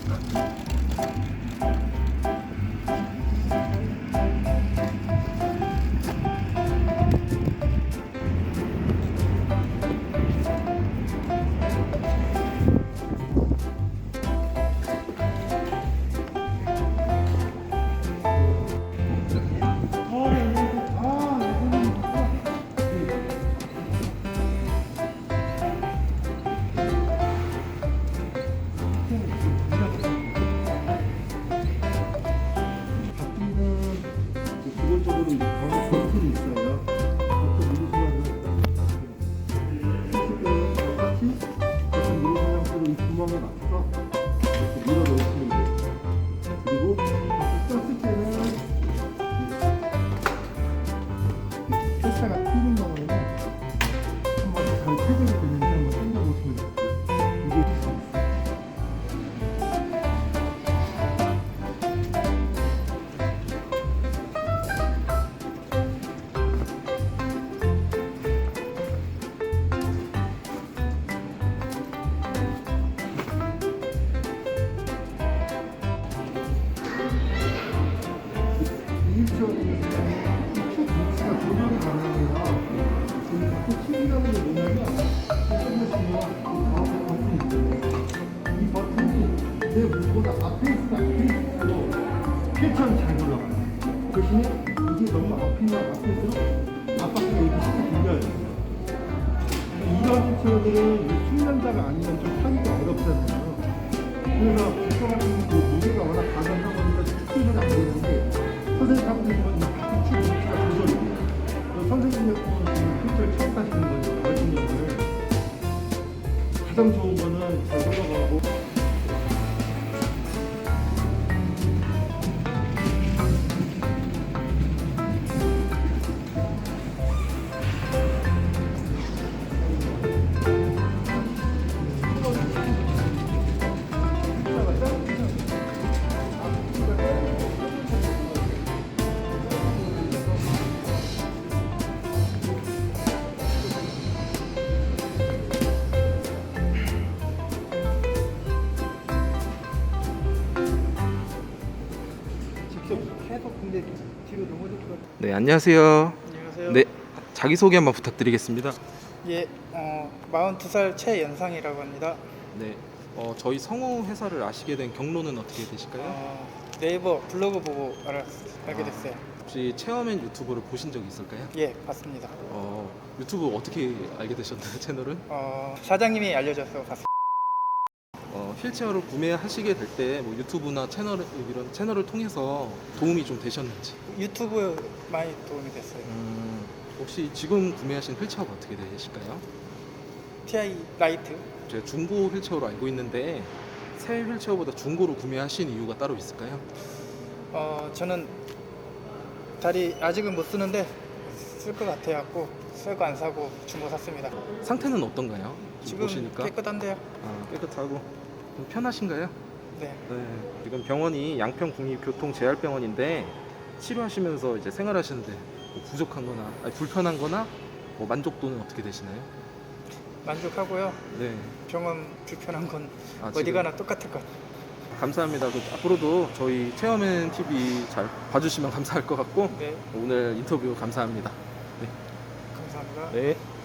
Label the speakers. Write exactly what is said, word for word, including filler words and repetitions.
Speaker 1: 휠체어는 잘 올라가요. 대신에 이게 너무 앞이나 앞에서 앞바퀴가 이렇게 쉽게 돌려야 돼요. 이런 휠체어들은 숙련자가 아니면 좀 타기가 어렵잖아요. 그래서 휠체어 같은 그 무게가 워낙 가능한 거니까 축소는 안 되는데, 선생님 타고 계시면 이 바퀴 축 위치가 조절이 돼요. 선생님 같은 휠체어 처음 타시는 거니까 같은 경우는 가장 좋은 거는 잘 올라가고.
Speaker 2: 네, 안녕하세요.
Speaker 3: 안녕하세요.
Speaker 2: 네, 자기소개 한번 부탁드리겠습니다.
Speaker 3: 예, 어, 마흔두 살 최연상이라고 합니다.
Speaker 2: 네, 어, 저희 성우 회사를 아시게 된 경로는 어떻게 되실까요?
Speaker 3: 어, 네이버 블로그 보고 알았, 알게 됐어요.
Speaker 2: 혹시 체험엔 유튜브를 보신 적 있을까요?
Speaker 3: 예, 봤습니다.
Speaker 2: 어, 유튜브 어떻게 알게 되셨나요, 채널은?
Speaker 3: 어, 사장님이 알려줘서 봤어요.
Speaker 2: 어, 휠체어를 구매하시게 될 때 뭐 유튜브나 채널, 이런 채널을 통해서 도움이 좀 되셨는지.
Speaker 3: 유튜브 많이 도움이 됐어요.
Speaker 2: 음, 혹시 지금 구매하신 휠체어가 어떻게 되실까요?
Speaker 3: 티아이 라이트.
Speaker 2: 제가 중고 휠체어로 알고 있는데 새 휠체어보다 중고로 구매하신 이유가 따로 있을까요?
Speaker 3: 어, 저는 다리 아직은 못 쓰는데 쓸 것 같아갖고 쓸 거 안 사고 중고 샀습니다.
Speaker 2: 상태는 어떤가요?
Speaker 3: 지금
Speaker 2: 보시니까
Speaker 3: 깨끗한데요?
Speaker 2: 아, 깨끗하고 좀 편하신가요?
Speaker 3: 네.
Speaker 2: 네. 지금 병원이 양평국립교통재활병원인데 치료하시면서 이제 생활하시는데 뭐 부족한거나 아니, 불편한거나 뭐 만족도는 어떻게 되시나요?
Speaker 3: 만족하고요.
Speaker 2: 네.
Speaker 3: 병원 불편한 건
Speaker 2: 아,
Speaker 3: 어디
Speaker 2: 지금?
Speaker 3: 가나 똑같을 것.
Speaker 2: 감사합니다. 그 앞으로도 저희 체험엔 티비 잘 봐주시면 감사할 것 같고
Speaker 3: 네,
Speaker 2: 오늘 인터뷰 감사합니다. 네.
Speaker 3: 감사합니다.
Speaker 2: 네.